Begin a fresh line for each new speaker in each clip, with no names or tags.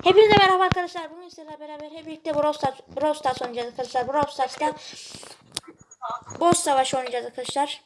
Hepinize merhaba arkadaşlar. Bugün sizlerle beraber hep birlikte Brawl Stars oynayacağız arkadaşlar. Brawl Stars'ta boss savaşı oynayacağız arkadaşlar.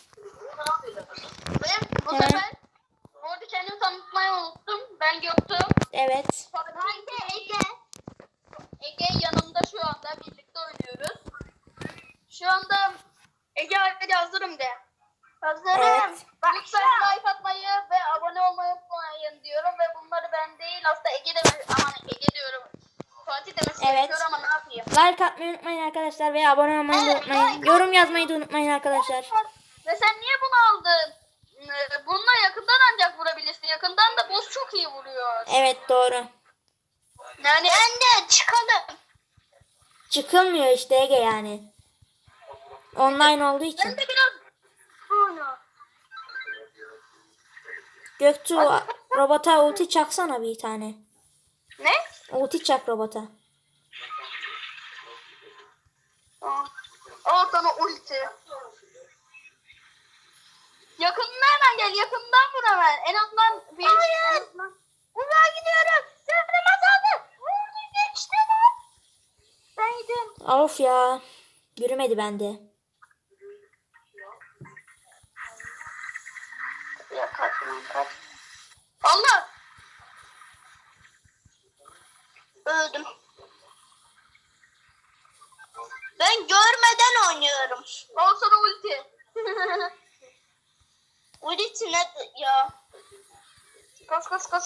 Ve bu sefer orada kendimi tanıtmayı unuttum. Ben Göktuğ.
Evet.
Ben de Ege. Ege yanımda şu anda birlikte oynuyoruz. Şu anda Ege hadi hazırım de. Hazırım.
Evet.
Lütfen like atmayı ve abone olmayı unutmayın diyorum ve bunları ben değil aslında Ege de aman Ege diyorum. Fatih demesi gerekiyor ama ne yapayım?
Like atmayı unutmayın arkadaşlar ve abone olmayı da unutmayın. Yorum yazmayı da unutmayın arkadaşlar.
Ve sen niye bunu aldın? Bununla yakından ancak vurabilirsin. Yakından da boss çok iyi vuruyor.
Evet doğru.
Yani ben de çıkalım.
Çıkılmıyor işte Ege yani. Online olduğu
Ben
için.
de biraz bunu.
Göktuğ robota ulti çaksana bir tane.
Ne?
Ulti çak robota.
Al sana ulti. Yakından hemen gel. Yakından vur hemen. En azından bir... Hayır. Buraya gidiyorum. Sırtım azaldı. Vurdu geçti lan. Ben gidiyorum.
Of ya. Yürümedi bende.
Ya kaç. Allah. Öldüm. Ben görmeden oynuyorum. Al sana ulti. Ulti ne ya? Kaç.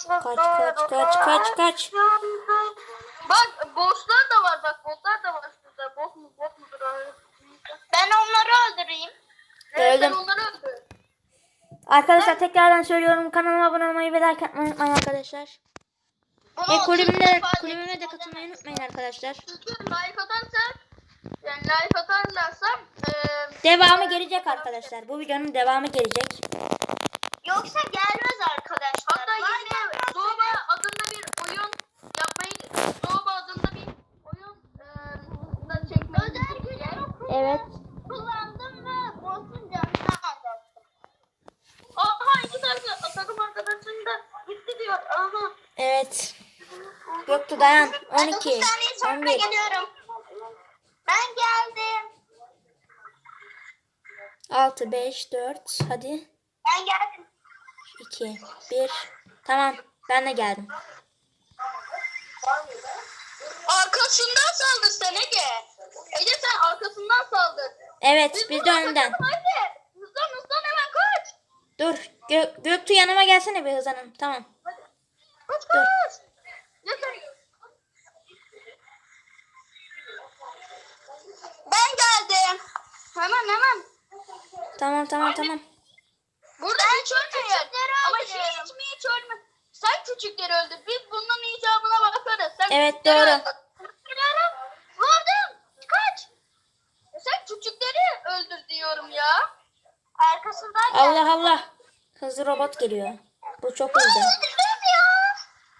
Kaç.
Bak bosslar da var bak botlar da var şurada. Bot mudur? Ben onları öldüreyim. Evet, sen
Öldüm.
onları öldür.
Arkadaşlar tekrardan söylüyorum, kanalıma abone olmayı ve like atmayı unutmayın arkadaşlar. Ve kulübüme de katılmayı unutmayın arkadaşlar.
Çünkü like atarsak yani like atarlarsa
Devamı gelecek arkadaşlar. Bu videonun devamı gelecek.
yoksa gelmez arkadaşlar. Hatta yine Zoba adında bir oyun yapmayı da çekmeyi düşünüyorum.
Evet.
Kullandım ve boss'un canını azalttım. Aha iki tane takım arkadaşım da gitti diyor. Aha.
Evet. Göktuğ dayan. 12.
9 saniye sonra
11.
geliyorum. Ben geldim.
6, 5, 4. Hadi.
Ben geldim.
2, 1. Tamam. Ben de geldim.
Arkasından saldır sen Ege. Ege sen arkasından saldır.
Evet. Biz de önden.
Hadi. Hızlan hemen kaç.
Dur. Göktuğ yanıma gelsene bir hızlanım. Tamam.
Hadi. Kaç. Yeter. Ben geldim. Hemen.
Tamam.
Burada hiç ölmeyin. Ama hiç ölme. Sen küçükleri öldür. Biz bunun icabına bakarız. Sen
Evet,
küçükleri
doğru.
öldür. Vurdum. Kaç. Sen küçükleri öldür diyorum ya. Arkasından gel.
Allah. Hızlı robot geliyor. Bu çok hızlı.
Öldürdüm ya.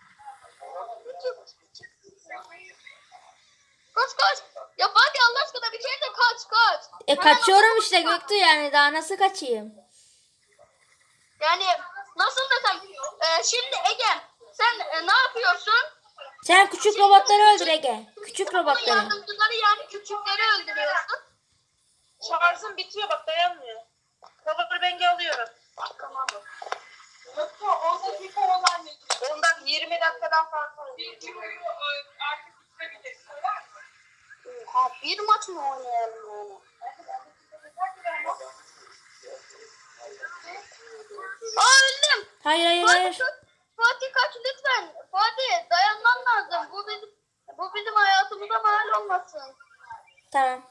Kaç. Ya Fatih Allah aşkına bir kere de kaç.
Kaçıyorum işte Göktuğ yani. Daha nasıl kaçayım?
Yani nasıl desem şimdi Ege sen ne yapıyorsun?
Sen küçük robotları öldür Ege. Küçük robotları.
Yardımcıları yani küçükleri öldürüyorsun.
Şarjım bitiyor bak dayanmıyor. Power bank'i alıyorum.
Tamam.
Yoksa 10 dakika olan 10'dan 20 dakikadan fazla. Artık bitirebilir.
Ha, bir maç mı oynayalım yani? Öldüm.
Hayır.
Fatih kaç lütfen. Fatih dayanman lazım. Bu bizim hayatımıza mal olmasın.
Tamam.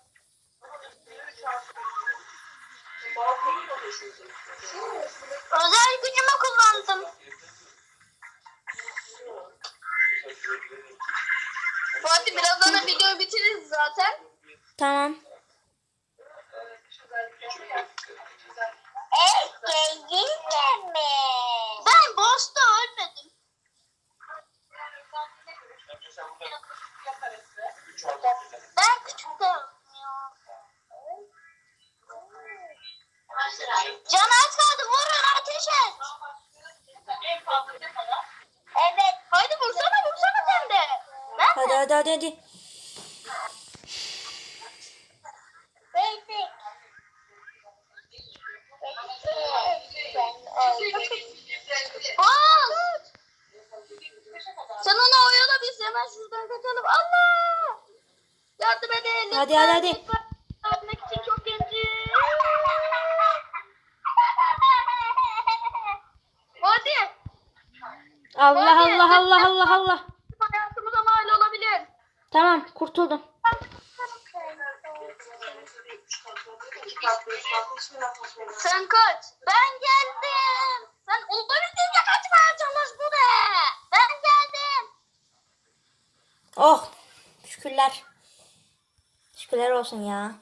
Özel gücümü kullandım. Fatih birazdan videoyu bitiririz zaten.
Tamam.
Ben boss'ta ölmedim. Ben küçükte öldüm ya. Can az kaldı. Vurun ateş et. Evet. Haydi vursana.
hadi.
Basic. Bas. Sen onu oyala biz hemen şuradan kaçalım. Allah! Yardım edin.
Hadi, hadi.
Yardım için çok genci. Hadi.
Allah
Hadi.
Allah.
Hayatımıza mal olabilir.
Tamam, kurtuldum.
Sen kaç. Ben geldim. Sen olabildiğince kaçmaya çalış buraya. Ben geldim.
Oh, şükürler. Şükürler olsun ya.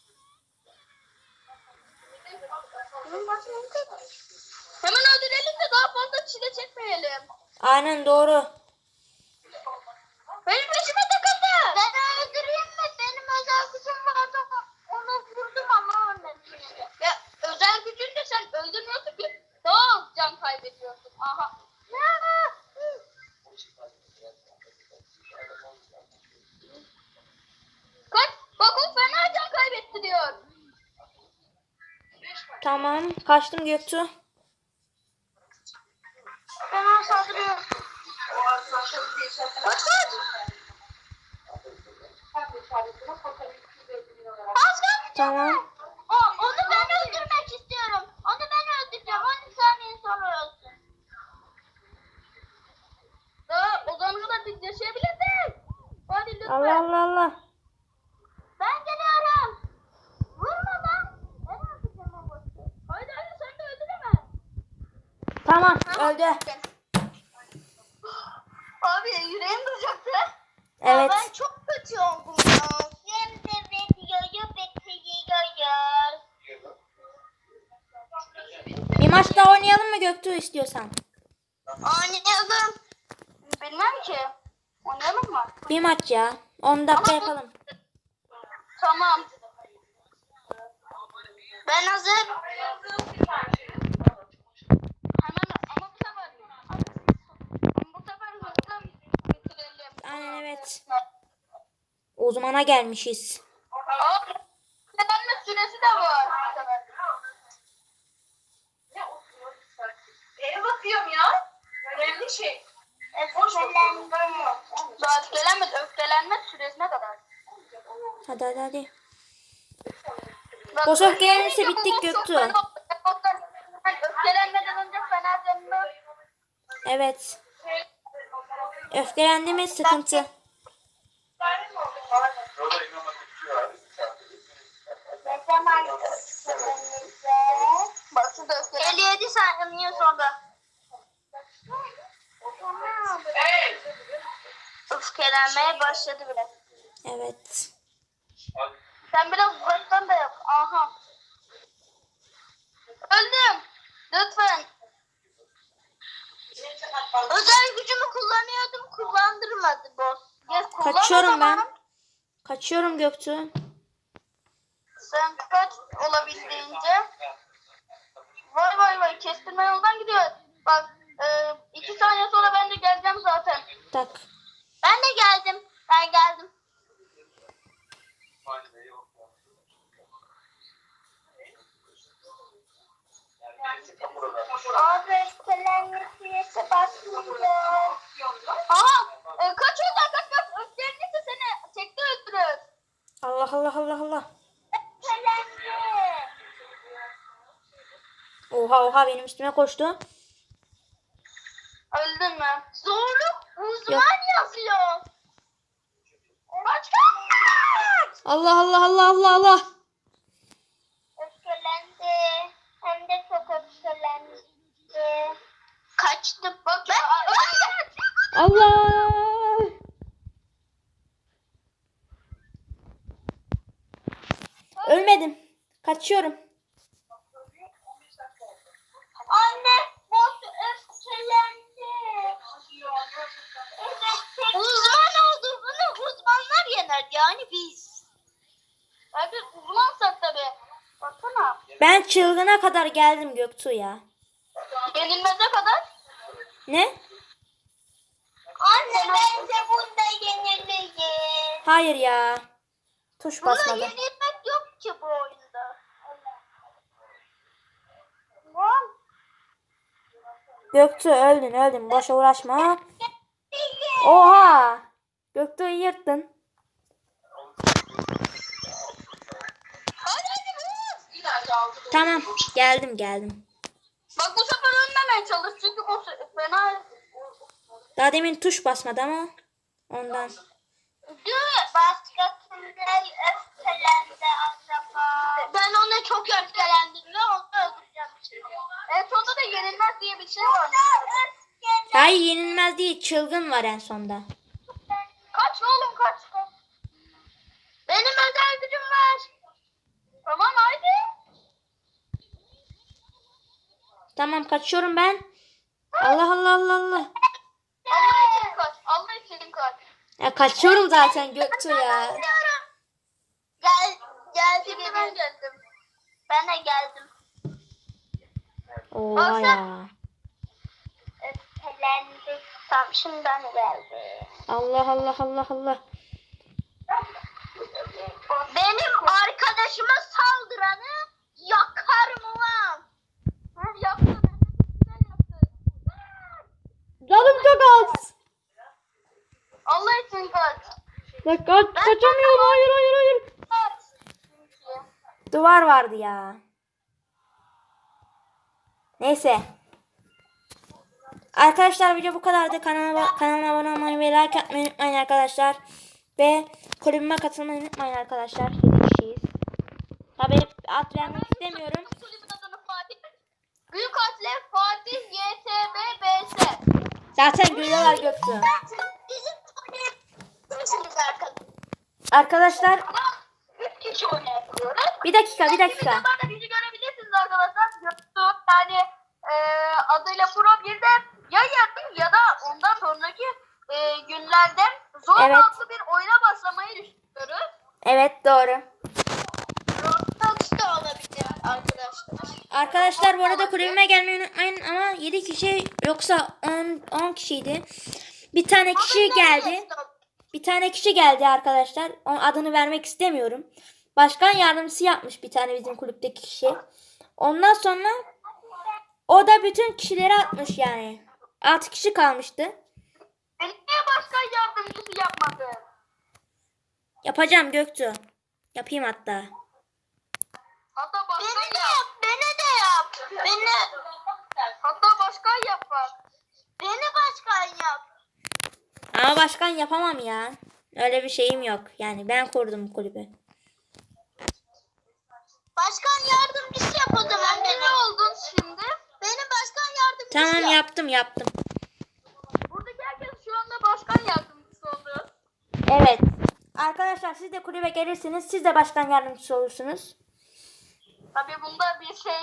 Hemen öldürelim de daha fazla çile çekmeyelim.
Aynen doğru.
Benim peşime takıldı. Ben öldüreyim mi? Benim özel gücüm vardı. Onu vurdum ama ölmedim. Ya özel gücün de sen öldürmüyorsun ki. Daha az can kaybediyorsun. Aha. Kaç. Bak o fena can kaybettiriyor.
Tamam, kaçtım Göktuğ.
Fena saldırıyor. Kaç kaç. Az kaldı.
Tamam.
Onu ben öldürmek istiyorum. Onu ben öldüreceğim. 10 saniye sonra ölsün. Daha o zamana kadar biz yaşayabiliriz. Hadi lütfen.
Allah.
Ben geliyorum. Vurma lan. Ben öldüreceğim o boşu. Haydi sen de öldüremez.
Tamam, öldü.
Abi yüreğim duracaktı.
Evet.
Ben çok kötü oldum ya. Şimdi videoyu bitiriyoruz.
Bir maç daha oynayalım mı Göktuğ istiyorsan?
Oynayalım. Bilmem ki. Oynayalım mı?
Bir maç ya. 10 dakika
Ama bu-
yapalım.
Tamam. Ben hazır. Hemen ama bu sefer hızlı bitirelim.
Aynen evet. Uzmana gelmişiz.
Aa, öğrenme süresi de var.
Neye bakıyorum ya? Önemli şey.
Öfkelenme süresine kadar.
Hadi.
Bak,
Boş öfkelenirse
öfkelenirse
bittik
bu boss çok
Göktuğ.
fena olacak. Yani öfkelenmeden önce fena canını.
Evet. Öfkelendi mi sıkıntı.
Ne zaman öfkelenirse. Bak şurada öfkelen. 57 saniye sonra. Tamam. Öfkelenmeye başladı bile.
Evet.
Sen biraz uzaktan da yap. Aha. Öldüm. Lütfen. Özel gücümü kullanıyordum. Kullandırmadı boss. Ya, kullan o
Kaçıyorum
zaman.
ben. Kaçıyorum Göktuğ.
Sen kaç olabildiğince. Vay kestirme yoldan gidiyor. Bak 2 saniye sonra ben de geleceğim zaten.
Tak.
Ben de geldim. Ben geldim. Abi öfkelenme süresi başlıyor. Aha! Kaç oradan kaç. Öfkelenirse seni tekte öldürür.
Allah.
Öfkelenme.
Oha benim üstüme koştu.
Öldün mü? Zorluk uzman
Yok.
yazıyor. Kaç kaç.
Allah.
Öfkelendi. Hem de çok öfkelendi. Kaçtı. Bak ben
Allah. Ölmedim. Kaçıyorum.
Anne boss öfkelendi. Uzman olduğunu uzmanlar yener yani biz. Abi uzmansak tabii. Baksana.
Ben çılgına kadar geldim Göktuğ ya.
Yenilmeze kadar.
Ne?
Anne bence bunda yeniliriz.
Hayır ya. Tuş
Bunda
basmadı.
yenilmek yok ki bu oyunda. Lan.
Göktuğ öldün. Boşa uğraşma. Oha. Göktuğ'u yırttın.
Hadi vur. İleride aldı.
Tamam. Geldim.
Bak bu sefer ölmemeye çalış çünkü bu fena.
Daha demin tuş basmadı ama ondan.
Başka kimler öfkelendi acaba? Ben ona çok öfkelendim ve onu öldüreceğim şimdi. En sonunda da yenilmez diye bir şey var.
Hayır yenilmez değil. Çılgın var en sonda.
Kaç oğlum kaç. Benim özel gücüm var. Tamam haydi.
Tamam kaçıyorum ben. Allah.
Allah için kaç. Allah için kaç.
Ya kaçıyorum zaten Göktuğ ya.
Geldim ben geldim. Ben de geldim.
Oha ya.
Öfkelendik. Tamam şimdi ben geldim.
Allah.
Benim arkadaşıma saldıranı yakarım ulan. Yaktın.
Canım çok az.
Allah için kaç.
Kaçamıyorum. Hayır.
Kaç.
Duvar vardı ya. Neyse. Arkadaşlar video bu kadardı. Kanalıma abone olmayı ve like atmayı unutmayın arkadaşlar. Ve kulübüme katılmayı unutmayın arkadaşlar. 7 kişiyiz. Tabii ad vermek istemiyorum.
Kulübün adını Fatih. Büyük harfle Fatih YTB BS.
Zaten görüyorlar Göktuğ.
Bizim kulübümüz
Arkadaşlar
3 kişi oynayabiliyoruz.
bir dakika.
Videolarda bizi görebilirsiniz arkadaşlar. Yani adıyla Pro 1'de ya yarın ya da ondan sonraki günlerde zor
Evet.
adlı bir oyuna başlamayı düşünüyoruz.
Evet doğru.
Roblox da olabilir arkadaşlar.
Arkadaşlar bu arada kulübüme gelmeyi unutmayın ama 7 kişi yoksa 10 kişiydi. Bir tane kişi geldi arkadaşlar. Onun adını vermek istemiyorum. Başkan yardımcısı yapmış bir tane bizim kulüpteki kişi. Ondan sonra o da bütün kişileri atmış yani. 6 kişi kalmıştı.
Beni niye başkan yardımcısı yapmadın?
Yapacağım Göktuğ. Yapayım hatta.
Hatta başkan yap. Beni de yap. Hatta başkan yap bak. Beni başkan yap.
Ama başkan yapamam ya. Öyle bir şeyim yok. Yani ben kurdum bu kulübü.
Başkan yardımcısı yap o zaman. Ne oldun şimdi? Benim başkan yardımcısı
Tamam
yap.
yaptım.
Buradaki herkes şu anda başkan yardımcısı oldu.
Evet. Arkadaşlar siz de kulübe gelirsiniz. Siz de başkan yardımcısı olursunuz.
Tabii bunda bir şey...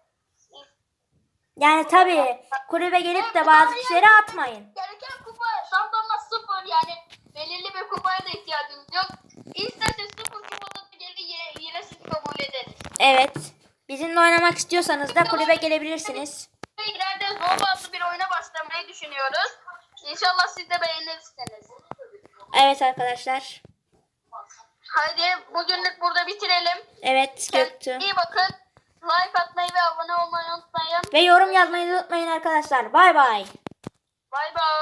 Yani tabii kulübe gelip de bazı kişileri atmayın.
Gereken kupa şampiyonlar 0 yani belirli bir kupaya da ihtiyacımız yok. İsterse 0 kupada da gelir yine siz kabul ederiz.
Evet. Bizimle oynamak istiyorsanız da kulübe gelebilirsiniz.
İleride zor adlı bir oyuna başlamayı düşünüyoruz. İnşallah siz de beğenirsiniz.
Evet arkadaşlar.
Haydi bugünlük burada bitirelim.
Evet Göktuğ.
İyi bakın. Like atmayı ve abone olmayı unutmayın.
Ve yorum yazmayı unutmayın arkadaşlar. Bay bay.
Bay bay.